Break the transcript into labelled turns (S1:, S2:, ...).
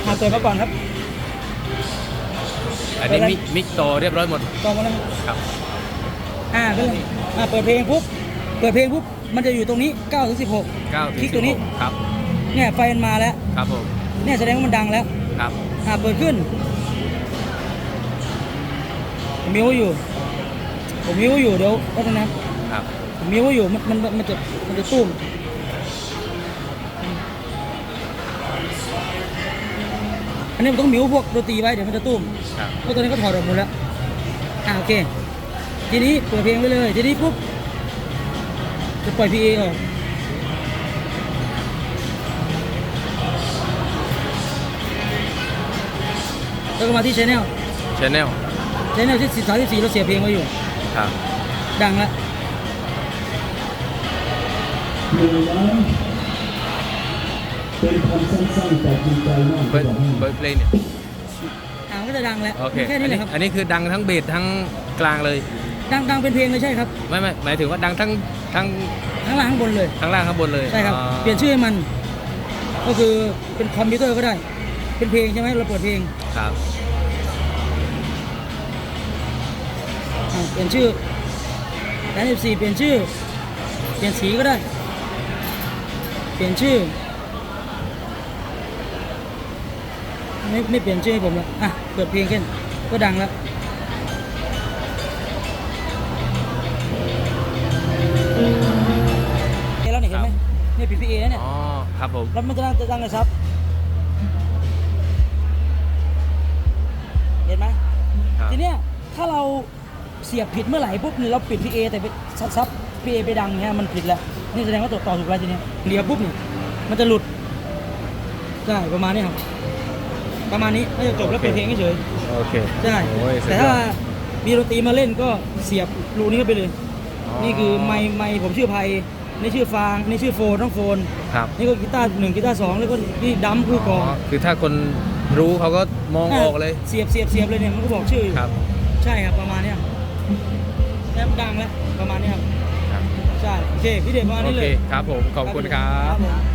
S1: เปิดมาก่อนครับ
S2: อันนี้มิกต่อเรียบร้อยหมด
S1: ต่อมาแล้ว
S2: ครับ
S1: ก็เลยเปิดเพลงปุ๊บมันจะอยู่ตรงนี้9 ถึง 16
S2: 9
S1: คลิกตัวนี้
S2: ครับ
S1: เนี่ยไฟมันมาแล้ว
S2: ครับผม
S1: เนี่ยแสดงว่ามันดังแล้ว
S2: ครับ
S1: เปิดขึ้นผมมิวอยู่เดี๋ยวก็ตรงนั้น
S2: ครับ
S1: ผมมิวอยู่มันจะตุ้มอันนี้มันต้องมิวพวกดนตรีไว้เดี๋ยวมันจะตุ้มเพราะตัวนี้ก็ถอดออกหมดแล้วโอเคทีนี้เปิดเพลงไปเลยทีนี้ปุ๊บจะปล่อย PA ออกแล้วก็มาที่ Channel ที่34เราเสียเพลงไว้อยู่
S2: ครับ
S1: ดังแล้ว
S3: เป็นคำสั้นๆแต่จริงใจมาก
S2: เปิดเพลงเนี่ย
S1: ก็จะดังแล้ว
S2: แค่นี้เลยครับอันนี้คือดังทั้งเบสทั้งกลางเลย
S1: ดังเป็นเพลงเลยใช่ครับ
S2: ไม่หมายถึงว่าดังทั้ง
S1: ล่างข้างบนเลย
S2: ทั้งล่างข้างบนเลย
S1: ใช่ครับเปลี่ยนชื่อให้มันก็คือเป็นคอมพิวเตอร์ก็ได้เป็นเพลงใช่ไหมเราเปิดเพลง
S2: ครับ
S1: เปลี่ยนชื่อแล้ว14เปลี่ยนชื่อเปลี่ยนสีก็ได้เปลี่ยนชื่อไม่เปลี่ยนชื่อให้ผมแล้วเปิดเพลงขึ้นก็ดังแล้วแล้วเนี่ยเห็นไหมเนี่ยปิด PA แล้วเนี่ย
S2: ครับผม
S1: แล้วมันจะดังเลยครับเห็นไหมทีเนี้ยถ้าเราเสียบผิดเมื่อไหร่ปุ๊บเราปิด PA แต่ไปซับ PA ไปดังเนี่ยมันผิดแล้วนี่แสดงว่าต่อถูกแล้วทีเนี้ยเดี๋ยวปุ๊บเนี่ยมันจะหลุดใช่ประมาณนี้ครับประมาณนี้น่าจะจบแล้วเป็นเพลงเฉย
S2: โอเค
S1: ใช่แต่ถ้ามีดนตรีมาเล่นก็เสียบรูนี้เข้าไปเลยนี่คือไมค์ผมชื่อไพนี่ชื่อฟางนี่ชื่อโฟนต้องโฟนนี่ก็กีตาร์1กีตาร์2แล้วก็นี่ดัมคือกอง
S2: คือถ้าคนรู้เขาก็มองออกเลย
S1: เสียบเลยเนี่ยมันก็บอกชื่อ
S2: ครับ
S1: ใช่ครับประมาณนี้แล้วดังแล้วประมาณนี้ครับใช่โอเคพี่เดชประมาณนี้เลย
S2: ครับผมขอบคุณครับ